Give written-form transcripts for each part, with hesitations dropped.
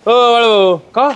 हो बाळू का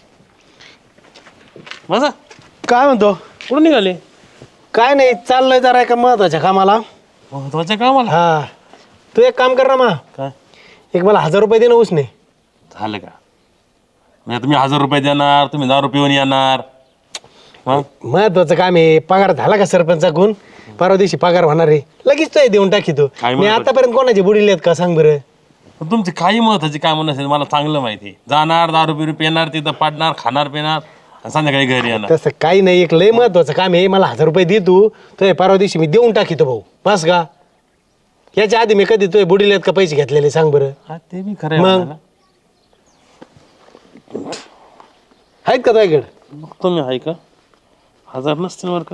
माझा काय म्हणतो? कुठून निघाले? काय नाही, चाललंय जरा एका महत्वाच्या कामाला. महत्वाचं काम आला. हा, तू एक काम कर ना मा, काय एक मला 1000 रुपये दे ना उसने. झालं का? म्हणजे तुम्ही 1000 रुपये देणार, तुम्ही दारू पिऊन येणार. मग महत्वाचं काम आहे. पगार झाला का सरपंचाकडून? परवा दिवशी पगार होणार आहे, लगेच तो देऊन टाकी तू. काय मी महत्वाचं? आतापर्यंत कोणाचे बुडीले आहेत का सांग बरं? तुमची काही महत्वाची कामं नसेल मला चांगलं माहिती. जाणार दारू बिरू पिणार, तिथं पाडणार, खाणार पिणार आणि संध्याकाळी घरी येणार. तसं काही नाही, एक लय महत्वाचं काम आहे. मला 1000 रुपये दे तू, तो परवा दिवशी मी देऊन टाकीतो भाऊ. बस का? याच्या आधी मी कधी तो बुडीले आहेत का पैसे घेतलेले सांग बरं? हा ते बी खरं मग? आहे. आहेत का तुझ्याकडे? मग तुम्ही आहे का? 1000 नसतील बरं का?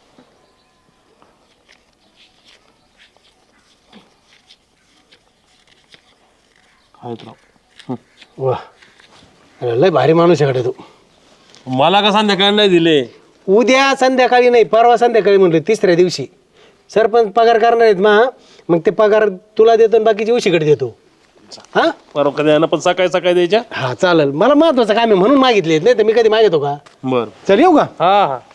आहेत राव. वा, लय भारी माणूस आहे कडे तू. मला का संध्याकाळी नाही दिले? उद्या संध्याकाळी नाही, परवा संध्याकाळी म्हणलं, तिसऱ्या दिवशी सरपंच पगार करणार आहेत मा. मग ते पगार तुला देतो आणि बाकीची उशीकडे देतो. हा बरोबर कधी येणार, पण सकाळी सकाळी द्यायच्या. हा चालेल, मला महत्वाचं काम आहे म्हणून मागितले, नाही तर मी कधी मागितो का? बर चल येऊ का? हा हा.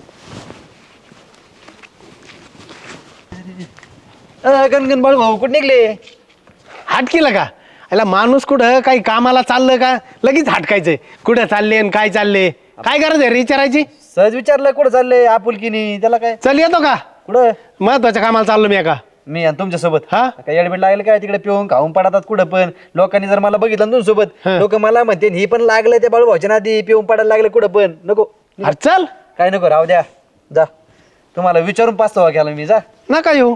गणगण बाळू भाऊ कुठे निघले? हाट केलं का? याला माणूस कुठं काही कामाला चाललं का लगेच हाटकायचंय. कुठं चालले आणि काय चालले, काय गरज आहे रे विचारायची? सहज विचारलं कुठं चाललंय आपुलकीनी, त्याला काय? चल येतो का? कुठं? महत्वाच्या कामाला चाललो मी का? मी आणि तुमच्या सोबत. हा? काय येडबीड लागलं काय? तिकडे पिऊन खाऊन पडतात कुठं पण. लोकांनी जर मला बघितलं ना तुमच्यासोबत, हा. लोक मला म्हणते ही पण लागलं त्या बाळू भाऊच्या नादी, पिऊन पडायला लागले कुठं पण. नको अरे चल, काय नको, राहू द्या, जा. तुम्हाला विचारून पाचवा केला मी, जा. नका येऊ.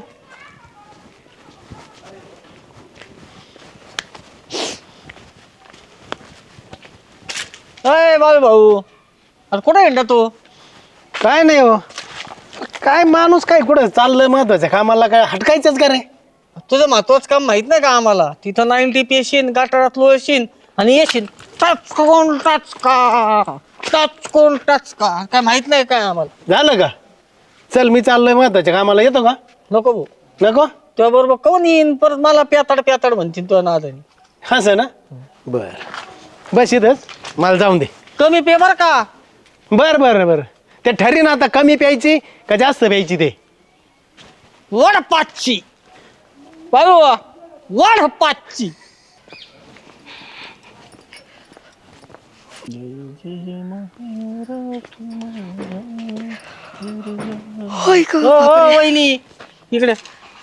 अय बाबू भाऊ, अरे कुठे हिंडा तू? काय नाही हो, काय माणूस काय कुठं चाललं महत्वाच्या कामाला, काय हटकायचंच का रे? तुझं महत्वाचं काम माहित नाही का आम्हाला? तिथं 90 येशील, गाठारात लोळशील आणि येशील टचकोन टचका, टचकोन टचका. काय माहित नाही काय आम्हाला? झालं का? चल मी चाललोय महत्वाच्या कामाला, येतो का? नको भाऊ, नको? तुझ्या बरोबर कोण येईन परत मला प्याताड प्याताड म्हणतील तुझ्या नादाने. असं ना? बर, बस इथंच, मला जाऊन दे. कमी पे बर का? बर बर बर, ते ठरीन आता कमी प्यायची का जास्त प्यायची ते. वड पाचची बाबू, वड पाचची. होय ग हो हो वहिनी, इकडे.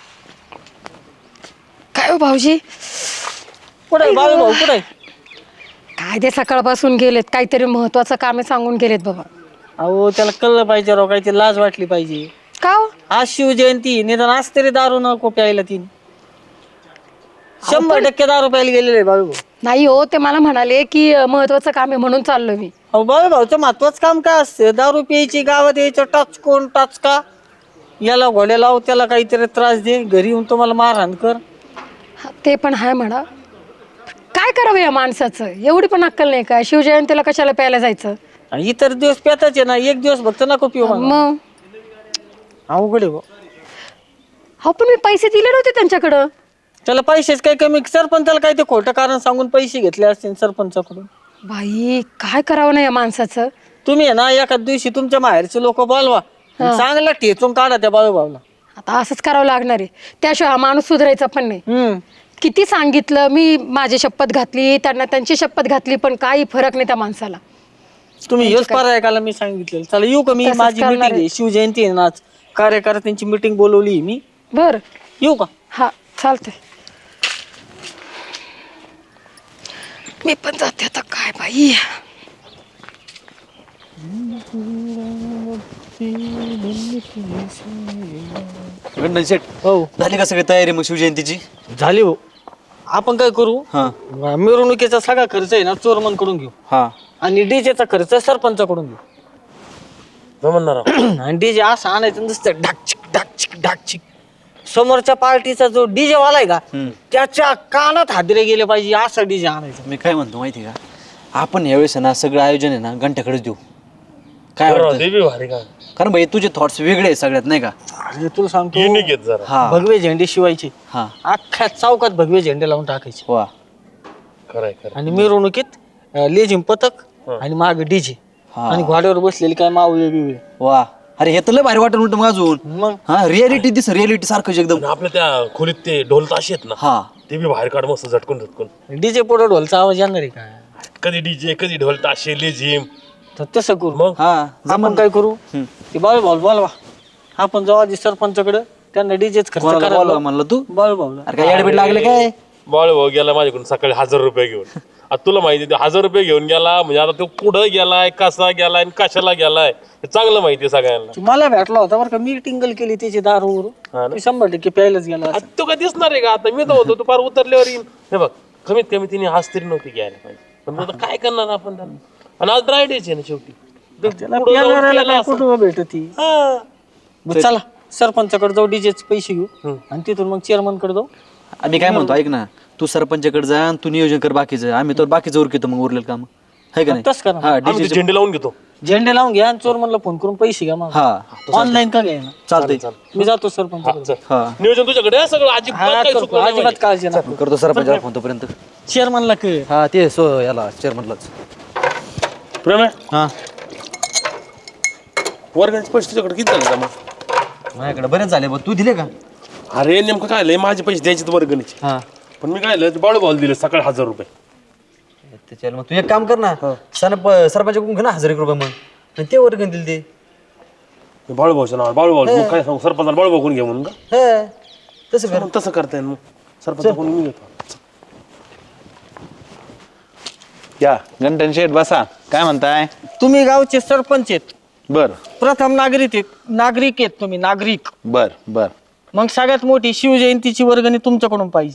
काय हो भाऊजी? कुठे बाबू भाऊ कुठे? काय ते सकाळपासून गेलेत, काहीतरी महत्वाचं काम आहे सांगून गेलेत बाबा. अहो त्याला कळलं पाहिजे राव, काहीतरी लाज वाटली पाहिजे. का हो? आज शिवजयंती, निदान आज तरी दारू नको प्यायला. 100% दारू प्यायला गेलेले बाबू भाऊ. नाही हो, ते मला म्हणाले की महत्वाचं काम आहे म्हणून चाललो मी. अहो बाबू भाऊचं महत्वाचं काम काय असतं? दारू प्यायची, गावात यायचं, टाचकोन टाचका, याला घोड्या लाव, त्याला काहीतरी त्रास दे, घरी येऊन तुम्हाला मारहाण कर. हा, ते पण आहे म्हणा. काय करावं या माणसाचं? एवढी पण अक्कल नाही का? शिवजयंतीला कशाला प्यायला जायचं? आणि इतर दिवस पेताच आहे ना, एक दिवस फक्त नको पिऊ म्हणा. मग अवघड आहे भाऊ. हो, पण मी पैसे दिले नव्हते त्यांच्याकडं. त्याला पैसेच काही कमी, सरपंचाला काय ते खोटं कारण सांगून पैसे घेतले असतील सरपंचाकडून. बाई, काय करावं ना या माणसाचं? तुम्ही आहे ना एखाद दिवशी तुमच्या माहेरचे लोक बोलवा, चांगला ठेचून काढा त्या बाळू भाऊला. आता असंच करावं लागणार आहे, त्याशिवाय हा माणूस सुधारायचा पण नाही. किती सांगितलं मी, माझी शपथ घातली, त्यांना त्यांची शपथ घातली, पण काही फरक नाही त्या माणसाला. तुम्ही हेच पर्यायकाला मी सांगितलेलं. चला येऊ का मी? तसंच माझी करणार मीटिंग आहे. आहे, शिवजयंती आहे ना आज, कार्यकर्त्यांची मीटिंग बोलवली मी. बर, येऊ का? हा चालतंय. मी पण जाते आता. काय बाई, गंडन शेट, हो झाली का सगळी तयारी मग शिवजयंतीची? झाली हो. आपण काय करू, हा मिरवणुकीचा सगळा खर्च आहे ना चोरमन कडून घेऊ, हा. आणि डीजेचा खर्च सरपंचाकडून घेऊ. जमणार राव. आणि डीजे असं आणायचं नुसतं ढाकचिक ढाकचिक ढाकचिक. समोरच्या पार्टीचा जो डीजे वाला आहे का, त्याच्या कानात हादरे गेले पाहिजे असा डीजे आणायचा. मी काय म्हणतो माहिती का, आपण यावेळेस ना सगळं आयोजन आहे ना घंट्याकडेच देऊ. काय वाटतं? ते बी भारी का? कारण भाई तुझे थॉट्स वेगळे आहे सगळ्यात, नाही का? अरे तुला सांगतो, युनिक आहेत जरा. हा भगवे झेंडे शिवायचे, हा अख्ख्या चौकात भगवे झेंडे लावून टाकायचे, वा. खरंय खरं. आणि मिरवणुकीत लेझिम पथक आणि माग डीजे आणि घोड्यावर बसलेली काय मावळे बिवळे. वा अरे हे तर लय भारी वाटत उलट मग अजून मग हा रियालिटी दिस रियालिटी सारखंच एकदम. आणि आपल्या त्या खोलीत ते ढोल ताशे आहेत ना हा ते बी बाहेर काढ मस्त झटकून डीजे पुढे ढोलचा आवाज येणार आहे काय? कधी डीजे कधी ढोल ताशे लेझिम. तर तसं करू. मग हा आपण काय करू ते बाळू भाऊ बोलवा. आपण जाऊ आधी सरपंचाकडे त्यांना डीजेच खर्च कोणाला करा. बोलवा म्हणलं तू? बाळू भाऊला. अरे काय ऍडमिट लागले काय? बाळ भाऊ गेला माझ्याकडून सकाळी 1000 रुपये घेऊन. आता तुला माहिती आहे 1000 रुपये घेऊन गेला म्हणजे आता तो कुठं गेलाय कसा गेलाय आणि कशाला गेलाय हे चांगलं माहिती आहे सगळ्यांना. मला भेटला होता बरं का. मी टिंगल केली त्याची दारूवर. मी 100% प्यायलाच गेला. आता तो काय दिसणार आहे का आता मी तर होतो तू फार उतरल्यावर येईल. हे बघ कमीत कमी तिने हाच तरी नव्हती घ्यायला पाहिजे पण आता काय करणार आपण त्याला. आणि आज ड्राय डेच आहे ना शेवटी. त्याला पुढं जाऊन प्यायला प्यायला काय असं. कुठं भेटती. हा. बरं, चला सरपंचाकडे जाऊ डीजेचे पैसे घेऊ आणि तिथून मग चेअरमन कडे जाऊ. आम्ही काय म्हणतो ऐक ना तू सरपंचाकडे जा आणि तू नियोजन कर बाकीचं आम्ही तर बाकीचं उरकितो मग उरलेलं काम आहे का नाही. तसं करा. हा आम्ही ते झेंडे लावून घेतो. झेंडे लावून घ्या आणि चोरमनला फोन करून पैसे घ्या मग. हा ऑनलाईन का घ्या ना. चालतंय. मी जातो सरपंचाकडे. चल. हा नियोजन तुझ्याकडे आहे सगळं अजिबात हा काही करतो. चुकलं नाही अजिबात काळजी नका. करतो सरपंचाला फोन तोपर्यंत. चेअरमनला कळ. हा ते याला चेअरमनलाच. माझ्या. प्रेम आहे? हा वर्गाचे पैसे तुझ्याकडे किती झाले जमा? माझ्याकडे बरेच झाले बघ तू दिले का? अरे नेमकं काय लय माझे पैसे द्यायचे वर्गणीचे हा पण मी काय बाळू भाऊ दिले सकाळी 1000 रुपये. त्याच्याला मग तू एक काम कर ना सरपंचाकडून घे ना 1000 रुपये मग आणि ते वर्गण दिले ते. बाळू भाऊचं नाव बाळू भाऊ मग काय सांगू सरपंचाला बाळू भाऊ कोण घे म्हणून का? हा तसं कर. मग तसं करता येईल मग सरपंच कोण मी घेतो. या गंटन शेठ बसा काय म्हणताय. तुम्ही गावचे सरपंच आहेत. बर प्रथम नागरिक आहेत तुम्ही नागरिक. बर बर मग सगळ्यात मोठी शिवजयंतीची वर्गणी तुमच्याकडून पाहिजे.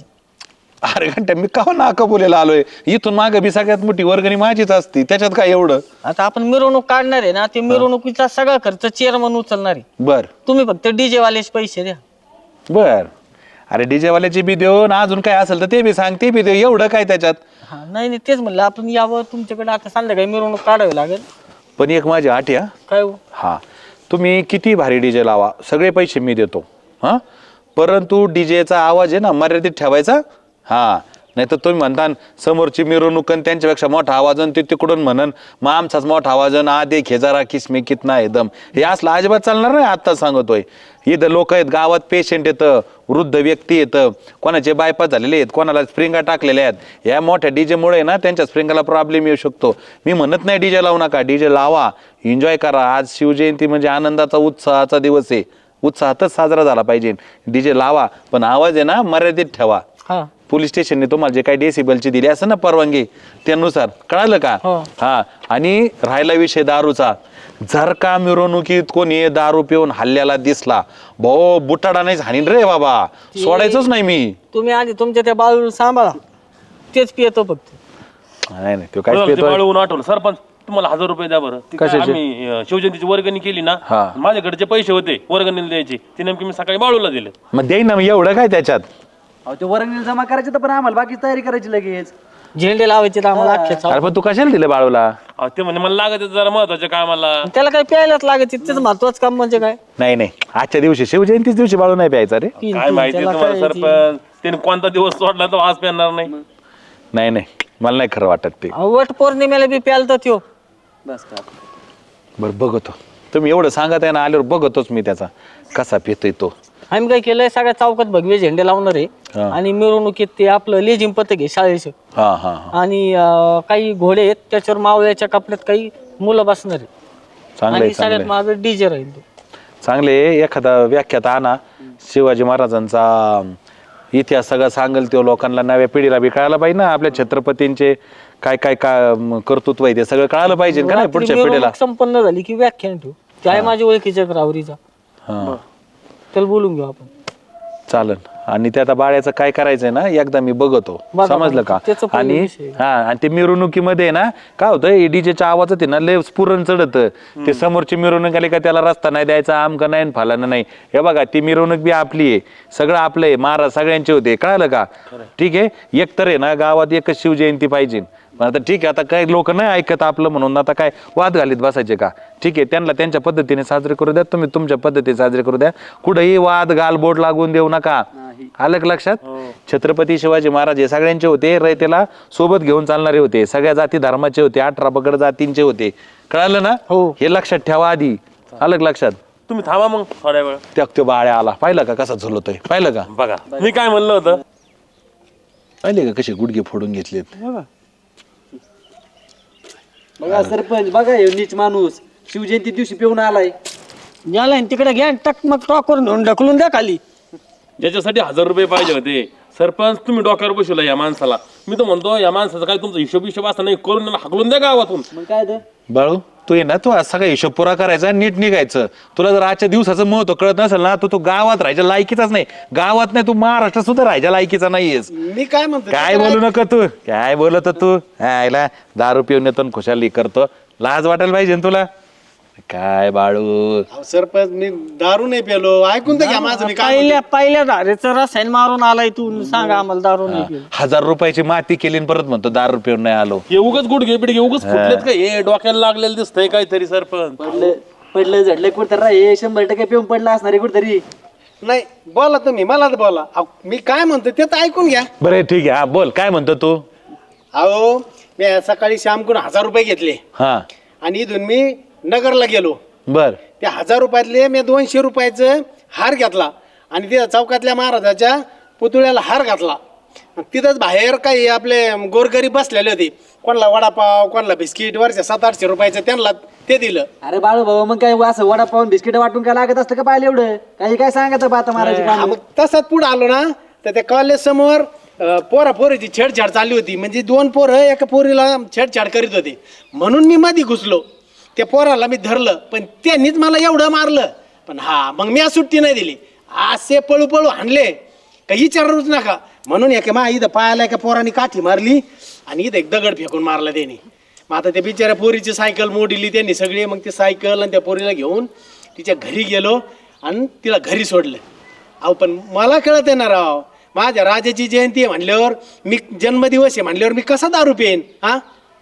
अरे घंटा मी का नाका बोलायला आलोय इथून मागे बी सगळ्यात मोठी वर्गणी माझीच असती त्याच्यात काय एवढं. आता आपण मिरवणूक काढणार आहे ना ते मिरवणुकीचा सगळा खर्च चेअरमन उचलणार आहे. बर तुम्ही फक्त डीजे वालेच पैसे द्या. बर अरे डीजे वाल्याची बी देऊ ना अजून काय असेल तर ते बी सांग ते बी देऊ एवढं काय त्याच्यात. हा नाही तेच म्हणलं आपण यावं तुमच्याकडे आता संध्याकाळी मिरवणूक काढावी लागेल. पण एक माझी आठ या काय हो? हा तुम्ही किती भारी डीजे लावा सगळे पैसे मी देतो हा परंतु डीजेचा आवाज आहे ना मर्यादित ठेवायचा. हा नाही तर तुम्ही म्हणता समोरची मिरवणूक त्यांच्यापेक्षा मोठा आवाज ते तिकडून म्हणन मग आमचाच मोठा आवाज आधे खेजारा किसमे कितना एकदम हे असलं अजिबात चालणार नाही. आत्ता सांगतोय इथं लोक आहेत गावात पेशंट येतं वृद्ध व्यक्ती येतं कोणाचे बायपास झालेले आहेत कोणाला स्प्रिंगा टाकलेल्या आहेत. या मोठ्या डीजेमुळे ना त्यांच्या स्प्रिंगाला प्रॉब्लेम येऊ शकतो. मी म्हणत नाही डीजे लावू नका डीजे लावा एन्जॉय करा. आज शिवजयंती म्हणजे आनंदाचा उत्साहाचा दिवस आहे. उत्साहातच साजरा झाला पाहिजे. डीजे लावा पण आवाज आहे ना मर्यादित ठेवा. हा पोलीस स्टेशनने तुम्हाला जे काही डेसिबलची दिली असं ना परवानगी त्यानुसार कळालं का. हा आणि राहिला विषय दारूचा जर का मिरवणुकीत कोणी दारू पिऊन हल्ल्याला दिसला भाऊ बुटाडा नाही हाणीन रे बाबा सोडायचंच नाही मी. तुम्ही आधी तुमच्या त्या बाळूला सांभाळा तेच पियतो फक्त. नाही नाही तो काय बरं, ते पितोय? बाळूहून आठवलं सरपंच तुम्हाला 1000 रुपये द्या बरं. ते काय आम्ही शिवजयंतीची वर्गणी केली ना हा. माझ्याकडे जे पैसे होते वर्गणीला द्यायचे ते नेमके मी सकाळी बाळूला दिले. मग देईन ना मग एवढं काय त्याच्यात. अहो ते वर्गणी जमा करायचं तर पण आम्हाला बाकी तयारी करायची लगेच. झेंडे लावायचे तर आम्हाला अख्खे चाव. अरे पण तू कशाला दिलं बाळूला. अहो, ते म्हणजे मला लागत जरा महत्वाच्या कामाला. त्याला काय प्यायलाच लागत त्याचं महत्वाचं काम म्हणजे काय. नाही नाही आजच्या दिवशी शिवजयंतीच दिवशी बाळू नाही प्यायचा रे. काय माहिती त्याला तुम्हाला काय सरपंच त्याने कोणता दिवस सोडला तर आज पेरणार नाही. नाही नाही मला नाही खरं वाटत ते. वट पौर्णिमेला बी प्याल तर त्यो. बरं बघतो तुम्ही एवढं सांगत आहे ना आल्यावर बघतोच मी त्याचा कसा पितोय तो. आम्ही काय केलंय सगळ्या चौकात भगवे झेंडे लावणार आहे आणि मिरवणुकीत ते आपलं लेझिम पथक आहे शाळेचं. हा हा हा आणि काही घोडे आहेत त्याच्यावर मावळ्याच्या कपड्यात काही मुलं बसणार आहे. चांगले आणि सगळ्यात माझं डीजे राहील तो. चांगले एखादा व्याख्यात आणा शिवाजी महाराजांचा इतिहास सगळं सांगेल तो लोकांना नव्या पिढीला बी कळायला पाहिजे ना आपल्या छत्रपतींचे काय काय कर्तृत्व आहे ते सगळं कळायला पाहिजे का नाही पुढच्या पिढीला. मिरवणूक संपन्न झाली की व्याख्यान ठेवू. ते आहे माझ्या ओळखीच्या रावरीचा हा त्याला बोलून घेऊ आपण. चालन आणि ते आता बाळ्याचं काय करायचंय ना एकदा मी बघतो समजलं का. त्याचं पहिलं आणि विषय. हा आणि ते मिरवणुकीमध्ये ना काय होतं डीजेच्या आवाजात आहे ना लय स्फुरण चढत ते समोरची मिरवणूक आली का त्याला रस्ता नाही द्यायचा आमका नाही फालानं नाही. हे बघा ती मिरवणूक बी आपली आहे सगळं आपलं आहे महाराज सगळ्यांचे होते कळालं का. ठीक आहे एक तर आहे ना गावात एकच शिवजयंती पाहिजे पण आता ठीक आहे, आता काही लोक नाही ऐकत आपलं म्हणून आता काय वाद घालीत बसायचे का? ठीक आहे, त्यांना त्यांच्या पद्धतीने साजरे करू द्या, तुम्ही तुमच्या पद्धतीने साजरे करू द्या. कुठेही वाद गालबोट लागून देऊ नका. आलं का लक्षात? छत्रपती शिवाजी महाराज हे सगळ्यांचे होते, रयतेला सोबत घेऊन चालणारे होते, सगळ्या जाती धर्माचे होते, 18 पगड जातींचे होते. कळालं ना? हे लक्षात ठेवा आधी. आलं का लक्षात? तुम्ही थांबा मग थोड्या वेळ. त्यो बाळ्या आला, पाहिलं का कसा झुलतोय? पाहिलं का? बघा मी काय म्हणलं होतं. पाहिले का कसे गुडघे फोडून घेतलेत? बघा सरपंच, बघा हे नीच माणूस शिवजयंती दिवशी पिऊन आलाय. याला तिकडे घ्या टक मग टॉकवर घेऊन ढकलून द्या खाली. ज्याच्यासाठी 1000 रुपये पाहिजे होते सरपंच तुम्ही डोक्यावर बसवला या माणसाला. मी तर म्हणतो या माणसाचा काय तुमचा हिशोब असता नाही करून त्याला हाकलून द्या गावातून. मग काय तर बाळू तू ये ना, तू आज सगळा हिशोब पुरा करायचा, नीट निघायचं. तुला जर आजच्या दिवसाचं महत्व कळत नसेल ना, तू गावात राहायच्या लायकीचाच नाही. गावात नाही, तू महाराष्ट्रात सुद्धा राहायच्या लायकीचा नाहीयेस. मी काय म्हणतो काय बोलू नका तू, काय बोलत तू? आयला दारू पिऊन येतो खुशाली करतो, लाज वाटायला पाहिजे ना तुला. काय बाळू, अहो, सरपंच मी दारू नाही पेलो, ऐकून तर घ्या माझं. मी काय पहिल्या धारेचं रसायन मारून आलाय तू, सांगा आम्हाला दारू नाही पिऊन. 1000 रुपयाची माती केली आणि परत म्हणतो दारू पिऊन नाही आलो. हे उगाच गुडघे बिडघे उगाच फुटलेत का? हे डोक्याला लागलेलं दिसतंय काहीतरी सरपंच. पडलं झडलं कुठं हे 100% पिऊन पडला असणार आहे कुठतरी. नाही बोला तुम्ही, मला तर बोला. अहो, मी काय म्हणतो ते तर ऐकून घ्या. बरं ठीक आहे, हा बोल काय म्हणतो तू? अहो मी सकाळी श्यामकडून 1000 रुपये घेतले हा आणि इथून मी नगरला गेलो. बर त्या 1000 रुपयातले मी 200 रुपयाचं हार घेतला आणि तिथं चौकातल्या महाराजाच्या पुतळ्याला हार घातला. तिथंच बाहेर काही आपले गोरगरीब बसलेले होते, कोणाला वडापाव कोणाला बिस्किट, वरच्या 700-800 रुपयाचं त्यांना ते दिलं. अरे बाळू भाऊ, मग काय असं वडापाव बिस्किट वाटून काय लागत असतं का पाहिलं एवढं? काही काय सांगायचं बाता मारायची हा, काम. मग तसाच पुढे आलो ना, तर त्या कॉलेज समोर पोरीची छेडछाड चालली होती. म्हणजे 2 पोरं एका पोरीला छेडछाड करीत होते, म्हणून मी मध्ये घुसलो. त्या पोराला मी धरलं, पण त्यांनीच मला एवढं मारलं. पण हा मग मी आज सुट्टी नाही दिली, असे पळू पळू हाणले काही विचारूच नका. म्हणून एका मा इथं पायाला एका पोराने काठी मारली आणि इथं एक दगड फेकून मारला त्यांनी. मग आता त्या बिचाऱ्या पोरीची सायकल मोडली त्यांनी सगळी. मग ती सायकल आणि त्या पोरीला घेऊन तिच्या घरी गेलो आणि तिला घरी सोडलं. अहो पण मला कळत आहे ना राव, माझ्या राजाची जयंती आहे म्हणल्यावर, मी जन्मदिवस आहे म्हणल्यावर मी कसा दारू पेन? हा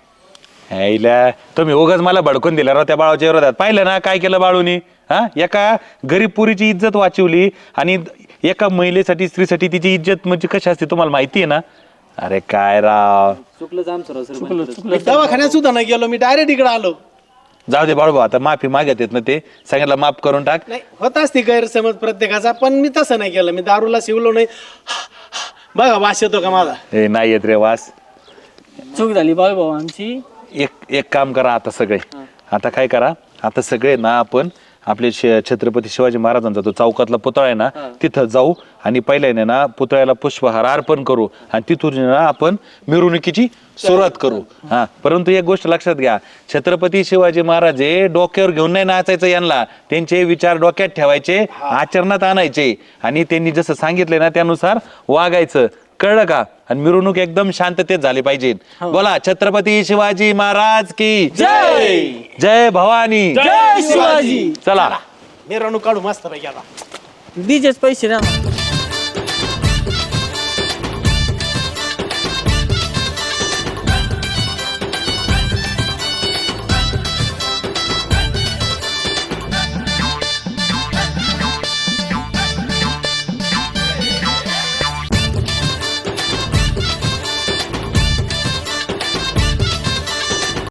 आईला तुम्ही उगाच मला भडकून दिला राव त्या बाळाच्या विरोधात. पाहिलं ना काय केलं बाळूनी? हा, एका गरीब पुरीची इज्जत वाचवली आणि एका महिलेसाठी स्त्रीसाठी तिची इज्जत म्हणजे कशी असते तुम्हाला माहिती आहे ना? अरे काय राव, चुकलं आमचं सर. मी दवाखान्यात सुद्धा नाही गेलो, मी डायरेक्ट इकडे आलो. जाऊ दे बाळू, आता माफी मागत येत ना ते, सगळ्यांना माफ करून टाक. नाही होत असते गैरसमज प्रत्येकाचा, पण मी तसं नाही केलं. मी दारूला शिवलो नाही. बघा वास येतो का माझा? ए नाही येत रे वास. चूक झाली बाळू भाऊ आमची. एक काम करा आता सगळे, आता काय करा, आता सगळे ना आपण आपले छत्रपती शिवाजी महाराजांचा तो चौकातला पुतळा आहे ना, तिथं जाऊ आणि पहिल्याने ना पुतळ्याला पुष्पहार अर्पण करू आणि तिथून ना आपण मिरवणुकीची सुरुवात करू. हा, परंतु एक गोष्ट लक्षात घ्या, छत्रपती शिवाजी महाराज हे डोक्यावर घेऊन नाही नाचायचं, यांना त्यांचे विचार डोक्यात ठेवायचे, आचरणात आणायचे आणि त्यांनी जसं सांगितलंय ना त्यानुसार वागायचं. कळलं का? आणि मिरवणूक एकदम शांततेत झाली पाहिजे. बोला छत्रपती शिवाजी महाराज की जय. जय भवानी, जय शिवाजी. चला मिरवणूक काढू मस्त पैकी आता. डीजेच पैसे ना.